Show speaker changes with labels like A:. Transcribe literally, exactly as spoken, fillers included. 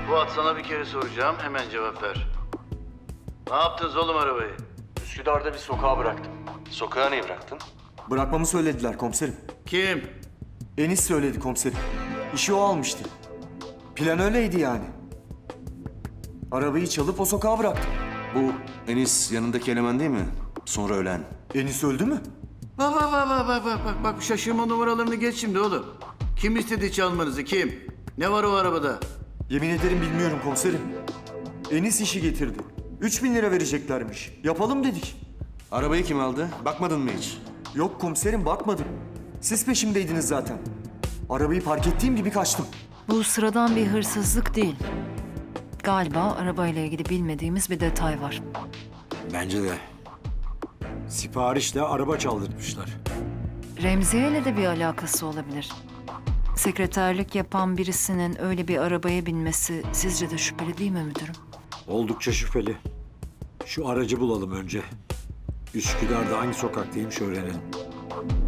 A: Fuat, sana bir kere soracağım, hemen cevap ver. Ne yaptınız oğlum arabayı?
B: Üsküdar'da bir sokağa bıraktım.
C: Sokağa niye bıraktın?
D: Bırakmamı söylediler komiserim.
A: Kim?
D: Enis söyledi komiserim. İşi o almıştı. Plan öyleydi yani. Arabayı çalıp o sokağa bıraktım.
C: Bu Enis yanındaki eleman değil mi? Sonra ölen.
D: Enis öldü mü?
A: Bak bak bak bak bak bak bak bak şaşırma numaralarını geç şimdi oğlum. Kim istedi çalmanızı, kim? Ne var o arabada?
D: Yemin ederim bilmiyorum komiserim. Enis işi getirdi. Üç bin lira vereceklermiş. Yapalım dedik.
C: Arabayı kim aldı? Bakmadın mı hiç?
D: Yok komiserim, bakmadım. Siz peşimdeydiniz zaten. Arabayı park ettiğim gibi kaçtım.
E: Bu sıradan bir hırsızlık değil. Galiba arabayla ilgili bilmediğimiz bir detay var.
F: Bence de. Siparişle araba çaldırmışlar.
E: Remziye ile de bir alakası olabilir. Sekreterlik yapan birisinin öyle bir arabaya binmesi sizce de şüpheli değil mi müdürüm?
F: Oldukça şüpheli. Şu aracı bulalım önce. Üsküdar'da hangi sokaktaymış öğrenelim.